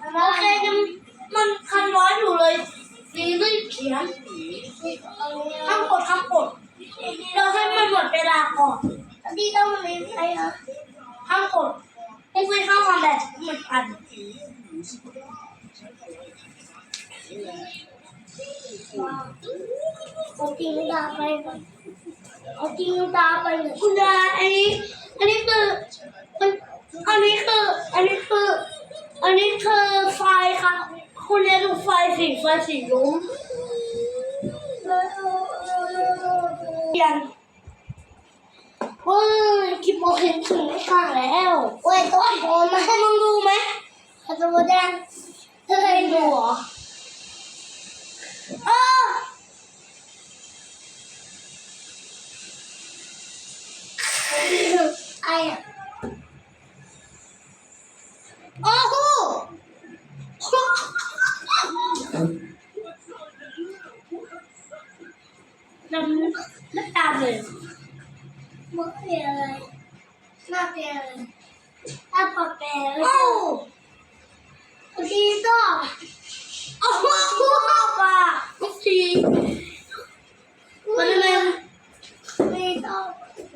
โอเคยังมันคันร้อนอยู่เลยดีรีบเขียนห้ามกดเราให้มันหมดเวลาก่อนดีต้องมาเล่นอะไรอ่ะห้ามกดพวกพี่ห้ามทำแบบมันอันเอาจริงดาไปเอาจริงดาไปเลยคุณยายอันนี้คืออันนี้คือไฟค่ะคุณยายดูไฟสีลุ้งยังเฮ้ยคิดโมเห็นถึงไม่ข้างแล้วเว้ยตัวโผล่มาให้มึงดูไหมตัวแดงเธอเคยดูเหรอไอ้อะโอ้โหดำตาเลยมึงเป็นอะไรหน้าเป็นอะไรหน้าปะแปะเลยโอ้ดีก็โอ้โหป่ะทุกทีมันเลยไม่ต้อง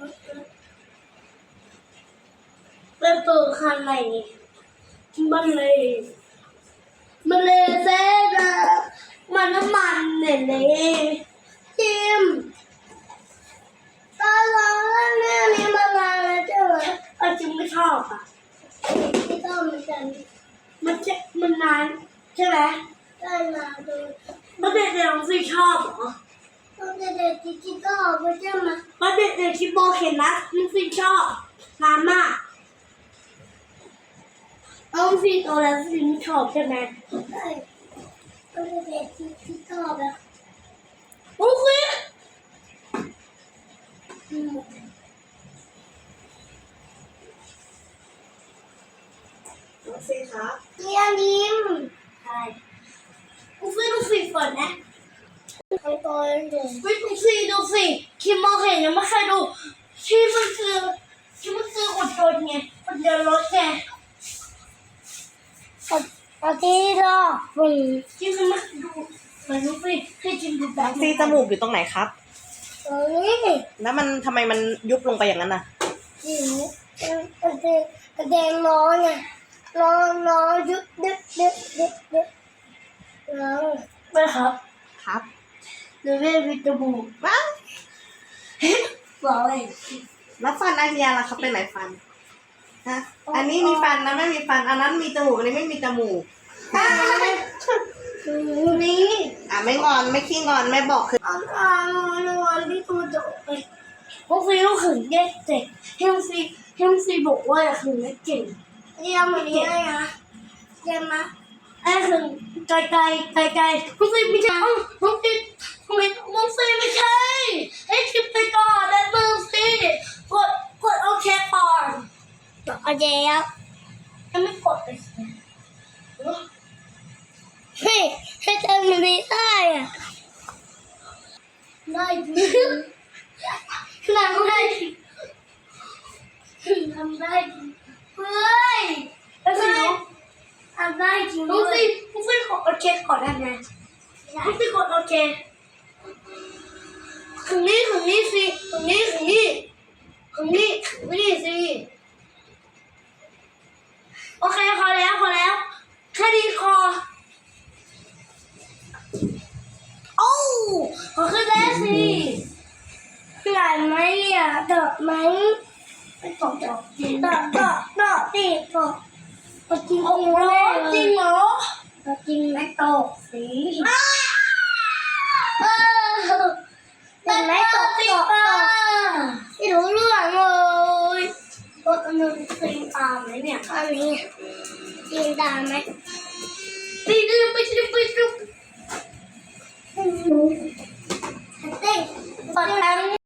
เป็นตัวคันไหนมันเลยเซ่นะมันน้ำมันเนี่ยจิมตอนเราเล่นเรื่องนี้มานานแล้วใช่ไหมจิมไม่ชอบอ่ะไม่ชอบเหมือนกันมันนานใช่ไหมได้นานเลยมันเด็กๆของซีชอบเหรอมันเด็กๆที่ชอบไม่ใช่ไหมมันเด็กๆที่โบเห็นนะมันซีชอบนานมากเอาซีโตแล้วซีไม่ชอบใช่ไหมใช่มันเด็กๆที่ชอบนะโอเคน้องซีครับเรียนยิ้มใช่ดูสิก่อนนะทำตัวเองดูสิคิมมองเห็นยังไม่เคยดูที่มันคืออดทนไงคนเดินรถไงเอาที่รอที่มันมาดูเหมือนดูสิให้จิมดูแบบซีจมูกอยู่ตรงไหนครับนี่แล้วมันทำไมมันยุบลงไปอย่างนั้นน่ะจิมกระเด็นร้อนไงร้อนยุบร้อนไม่ครับครับเดี๋ยวเรียกวิตามินว้าวบอกเลยแล้วฟันอันเนี้ยล่ะครับเป็นไหนฟันฮะอันนี้มีฟันนะไม่มีฟันอันนั้นมีจมูกอันนี้ไม่มีจมูกนี่ไม่งอนไม่ขี้งอนไม่บอกคือวันที่ตัวโดดไปพวกพี่ต้องขึงแยกเด็กเฮมซีบอกว่าขึงไม่เก่งยังไม่ได้นะยังนะไอ้ขึงไกลพวกพี่ไม่ใช่พวกพี่ทำไมพวกพี่ไม่ใช่ให้คิดไปก่อนได้มึงสิกดโอเคก่อนโอเคแล้วยังไม่กดเลยเฮ้ยให้ทำมันได้อะได้จริงทำได้จริงเฮ้ยแล้วไงทำได้จริงด้วยผู้ฟิกดโอเคก่อนได้ไหมผู้ฟิกดโอเคถึงนี้สิถึงนี้สิโอเคพอแล้วแค่นี้พอโอ้ขอขึ้นแล้วสิไหลไหมอ่ะเดาะไหมไม่ตกจริงเดาะสิตกจริงจริงเหรอจริงไม่ตกสิไม่ตกไม่รู้เรื่องเลยตัวนึงตีนตามไหมเนี่ยอันนี้ตีนตามไหมไปดูเต้น